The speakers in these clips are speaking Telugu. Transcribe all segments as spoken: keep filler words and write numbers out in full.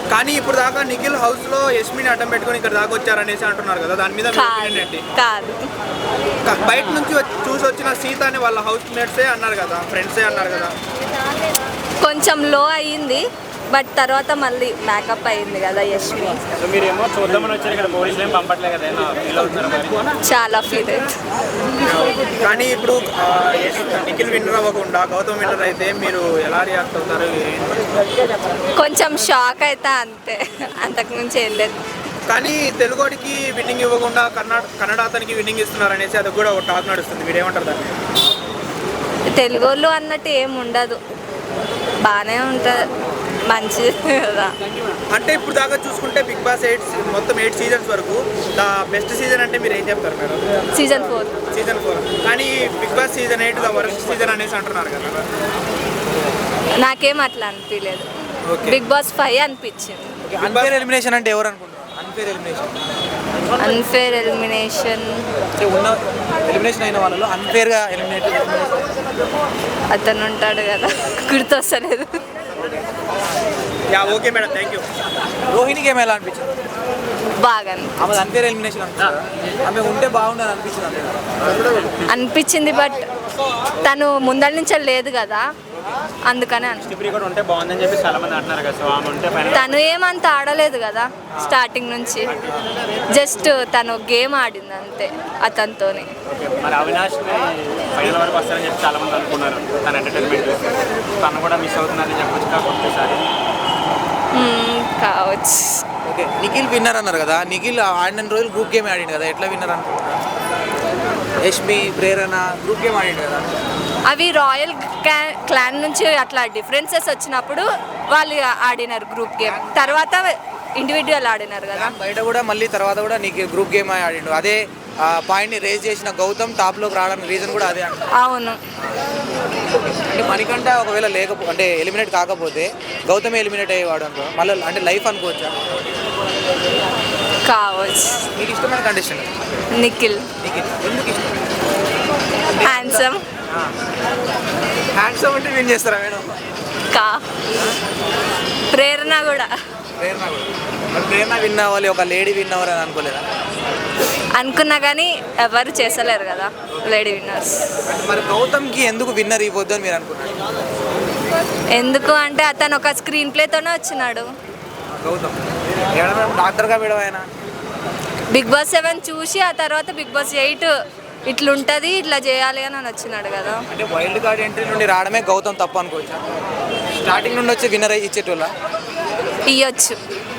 కానీ ఇప్పుడు దాకా నిఖిల్ హౌస్ లో యస్మిని అడ్డం పెట్టుకొని ఇక్కడ దాకా వచ్చారనేసి అంటున్నారు కదా, దాని మీద మీ opinion ఏంటి? కాదు, క- బయట నుంచి వచ్చి- చూసి వచ్చిన సీత అని వాళ్ళ హౌస్ మేట్సే అన్నారు కదా, ఫ్రెండ్సే అన్నారు కదా. కొంచెం లో అయ్యింది, బట్ తర్వాత మళ్ళీ మేకప్ అయింది కదా యష్మి. సో మీరేమో చూద్దామని వచ్చారు, ఇక్కడ పోలీసులు ఏం పంపట్లే కదా, ఏమో ఫీల్ అవుతున్నారు మరి? చాలా ఫీల్ అవుతుంది. కానీ ఇప్పుడు ఆ, యశ్- నిఖిల్ విన్నర్ అవ్వకుండా గౌతమ్ విన్నర్ అయితే మీరు ఎలా రియాక్ట్ అవుతారు? కొంచెం షాక్ అయితే అంతే, అంతకు మించి ఏం లేదు. కానీ తెలుగుడికి విన్నింగ్ ఇవ్వకుండా కన్నడ కన్నడ అతనికి విన్నింగ్ ఇస్తున్నారు అనేసి అది కూడా ఒక టాక్ నడుస్తుంది, మీరు ఏమంటారు దాన్ని? తెలుగు వాళ్ళు అన్నట్టు ఏం ఉండదు, బాగానే ఉంటుంది, మంచిది కదా. అంటే ఇప్పుడు దాకా చూసుకుంటే బిగ్ బాస్ ఎయిట్ మొత్తం ఎయిట్ సీజన్స్ వరకు ద బెస్ట్ సీజన్ అంటే మీరు ఏం చెప్తారు madam? Season four. Season four. కానీ Bigg Boss season eight the worst season అనేసి అంటున్నారు కదా. నాకేం అట్లా అనిపించలేదు, ఓకే. బిగ్ బాస్ ఫైవ్ అనిపించింది. అన్ఫేర్ ఎలిమినేషన్ అంటే ఎవరు అనుకుంటారు? అన్ఫేర్ ఎలిమినేషన్ అన్ఫేర్ ఎలిమినేషన్ అంటే ఉన్న ఎలిమినేషన్ అయిన వాళ్ళలో అన్ఫేర్గా ఎలిమినేట్ అతను ఉంటాడు కదా, గుర్తొస్తలేదు. Yeah okay madam, thank you. రోహిణికి ఏమి ఎలా అనిపించింది? బాగా ఆమె అన్ఫేర్ ఎలిమినేషన్ అంటారు, ఆమె ఉంటే బాగుండని అనిపించింది. అనిపించింది, బట్ తను ముందర నుంచే లేదు కదా, అందుకనే అను ఇప్పుడు కూడా ఉంటే బాగుందని చెప్పి చాలా మంది అంటున్నారు కదా, సో ఆమె ఉంటే పైన తను ఏమంత ఆడలేదు కదా స్టార్టింగ్ నుంచి, జస్ట్ తను గేమ్ ఆడింది అంతే అతనితోని. మరి అవినాష్ ఫైనల్ వరకు వస్తారని చెప్పి చాలా మంది అనుకున్నారు, తన ఎంటర్టైన్మెంట్ తను కూడా మిస్ అవుతుందని చెప్పొచ్చు కాకపోతే సారి మ్మ్, కావచ్చు. ఓకే, నిఖిల్ విన్నర్ అన్నారు కదా, నిఖిల్ ఆడిన రోజులు గ్రూప్ గేమ్ ఆడిండు కదా, ఎట్లా విన్నర్ అనుకుంటున్నారు? యష్మి, ప్రేరణ గ్రూప్ గేమ్ ఆడిండు కదా. అవి రాయల్ క్లాన్ నుంచి అట్లా డిఫరెన్సెస్ వచ్చినప్పుడు వాళ్ళు ఆడినారు గ్రూప్ గేమ్, తర్వాత ఇండివిజువల్ ఆడినారు కదా. బయట కూడా మళ్ళీ తర్వాత కూడా నీకు గ్రూప్ గేమ్ ఆడిండు, అదే పాయింట్ని రేజ్ చేసిన గౌతమ్ టాప్లోకి రావడానికి రీజన్ కూడా అదే అంట. అవును, అంటే మనకంట ఒకవేళ లేకపో అంటే ఎలిమినేట్ కాకపోతే గౌతమే ఎలిమినేట్ అయ్యేవాడు అనుకో, మళ్ళీ అంటే లైఫ్ అనుకోవచ్చా? కావచ్చు. మీకు ఇష్టమైన కండిషన్ నిఖిల్ నిఖిల్ ఎందుకు ఇష్టం? హ్యాండ్సమ్. హ్యాండ్సమ్ అంటే విన్ చేస్తారా మేడం? కా ప్రేరణ కూడా ప్రేరణ కూడా మరి ప్రేరణ విన్ అవ్వాలి, ఒక లేడీ విన్ అవ్వాలి అని అనుకోలేదా? అనుకున్నా కానీ ఎవరు చేసలేరు కదా లేడీ విన్నర్స్. మరి గౌతమ్కి ఎందుకు విన్నర్ ఇవ్వద్దు అని మీరు అనుకున్నారు? ఎందుకు అంటే అతను ఒక స్క్రీన్ ప్లేతోనే వచ్చినాడు. గౌతమ్ ఏడా మేడం డాక్టర్గా మేడం ఆయన బిగ్ బాస్ సెవెన్ చూసి ఆ తర్వాత బిగ్ బాస్ ఎయిట్ ఇట్లుంటుంది ఇట్లా చేయాలి అని వచ్చినాడు కదా. అంటే వైల్డ్ కార్డ్ ఎంట్రీ నుండి రావడమే గౌతమ్ తప్పు అనుకోవచ్చు. స్టార్టింగ్ నుండి వచ్చి విన్నర్ అయ్యి ఇచ్చేటోళ్ళ ఇయ్యొచ్చు.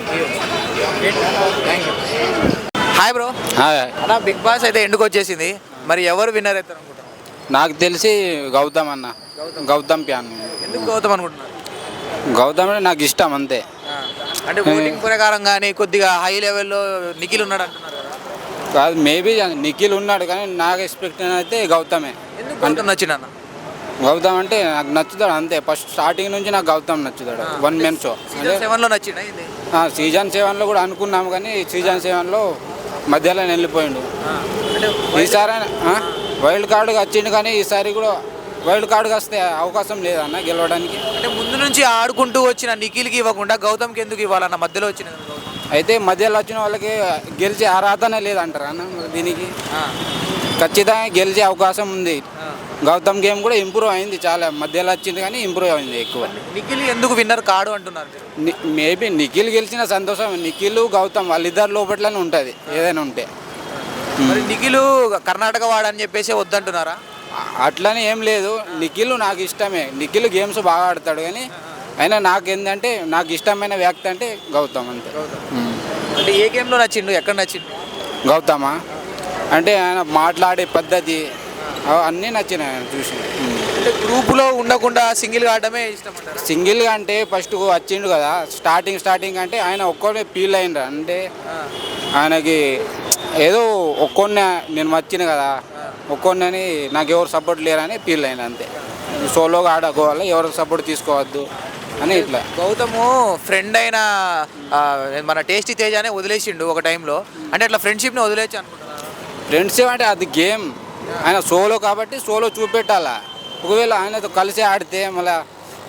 Thank you. Hi bro. అన్న బిగ్ బాస్ అయితే ఎందుకు వచ్చేసింది, మరి ఎవరు విన్నర్ అవుతారు అనుకుంటారు? నాకు తెలిసి గౌతమ్ అన్న, గౌతమ్ ప్యాన్. ఎందుకు గౌతమ్ అనుకుంటున్నారు? గౌతమ్ అంటే నాకు ఇష్టం అంతే. అంటే ఓటింగ్ ప్రకారం కానీ కొద్దిగా హై లెవెల్లో నిఖిల్ ఉన్నాడు అంటున్నారు కదా. కాదు, మేబీ నిఖిల్ ఉన్నాడు కానీ నాకు ఎక్స్పెక్ట్ అయితే గౌతమే. ఎందుకు గౌతమ్ నచ్చింది అన్న? గౌతమ్ అంటే నాకు నచ్చుతాడు అంతే, ఫస్ట్ స్టార్టింగ్ నుంచి నాకు గౌతమ్ నచ్చుతాడు. వన్ మెన్ షో అంటే సెవెన్లో నచ్చిందా ఇది? సీజన్ సెవెన్లో కూడా అనుకున్నాము కానీ సీజన్ సెవెన్లో మధ్యలో వెళ్ళిపోయిండు. అంటే ఈసారి వైల్డ్ కార్డుగా వచ్చిండు కానీ ఈసారి కూడా వైల్డ్ కార్డుగా వస్తే అవకాశం లేదన్న గెలవడానికి. అంటే ముందు నుంచి ఆడుకుంటూ వచ్చిన నిఖిల్కి ఇవ్వకుండా గౌతమ్కి ఎందుకు ఇవ్వాలన్న? మధ్యలో వచ్చిన అయితే మధ్యలో వచ్చిన వాళ్ళకి గెలిచే అర్హతనే లేదంటారు అన్న. దీనికి ఖచ్చితంగా గెలిచే అవకాశం ఉంది. గౌతమ్ గేమ్ కూడా ఇంప్రూవ్ అయింది చాలా, మధ్యలో వచ్చింది కానీ ఇంప్రూవ్ అయింది ఎక్కువ. నిఖిల్ ఎందుకు విన్నర్ కాడు అంటున్నారు? మేబీ నిఖిల్ గెలిచిన సంతోషం, నిఖిల్ గౌతమ్ వాళ్ళిద్దరు లోపట్లనే ఉంటుంది ఏదైనా ఉంటే. మరి నిఖిల్ కర్ణాటక వాడని చెప్పేసి వద్దంటున్నారా? అట్లనే ఏం లేదు, నిఖిల్ నాకు ఇష్టమే, నిఖిల్ గేమ్స్ బాగా ఆడతాడు కానీ అయినా నాకు ఏంటంటే నాకు ఇష్టమైన వ్యక్తి అంటే గౌతమ్ అంతే. అంటే ఏ గేమ్లో నచ్చిండు, ఎక్కడ నచ్చిండు? గౌతమా అంటే ఆయన మాట్లాడే పద్ధతి అన్నీ నచ్చినాయి ఆయన చూసి. అంటే గ్రూపులో ఉండకుండా సింగిల్గా ఆడడమే ఇష్టం అంటారా? సింగిల్గా అంటే ఫస్ట్ వచ్చిండు కదా స్టార్టింగ్ స్టార్టింగ్ అంటే ఆయన ఒక్కడే ఫీల్ అయిండ్రు, అంటే ఆయనకి ఏదో ఒక్కొన్న నేను వచ్చిన కదా ఒక్కొన్నని నాకు ఎవరు సపోర్ట్ లేరని ఫీల్ అయింది అంతే. సోలోగా ఆడుకోవాలి, ఎవరు సపోర్ట్ తీసుకోవద్దు అని ఇట్లా. గౌతము ఫ్రెండ్ అయిన మన టేస్టీ తేజ అనే వదిలేసిండు ఒక టైంలో, అంటే అట్లా ఫ్రెండ్షిప్ని వదిలేసి అనుకుంటున్నాను. ఫ్రెండ్షిప్ అంటే అది గేమ్, ఆయన సోలో కాబట్టి సోలో చూపెట్టాలా. ఒకవేళ ఆయనతో కలిసి ఆడితే మళ్ళీ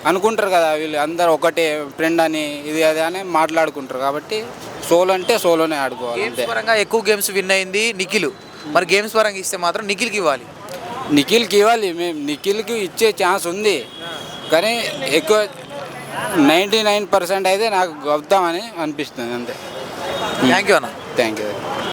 అనుకుంటారు కదా వీళ్ళు అందరు ఒకటే ఫ్రెండ్ అని ఇది అది అని మాట్లాడుకుంటారు కాబట్టి సోలో అంటే సోలోనే ఆడుకోవాలి గేమ్స్ అంతే. పరంగా ఎక్కువ గేమ్స్ విన్ అయింది నిఖిల్. మరి గేమ్స్ పరంగా ఇస్తే మాత్రం నిఖిల్కి ఇవ్వాలి. నిఖిల్కి ఇవ్వాలి, మేము నిఖిల్కి ఇచ్చే ఛాన్స్ ఉంది కానీ ఎక్కువ నైంటీ నైన్ పర్సెంట్ అయితే నాకు గౌతమ్ అని అనిపిస్తుంది అంతే. థ్యాంక్ యూ అన్న. Thank you.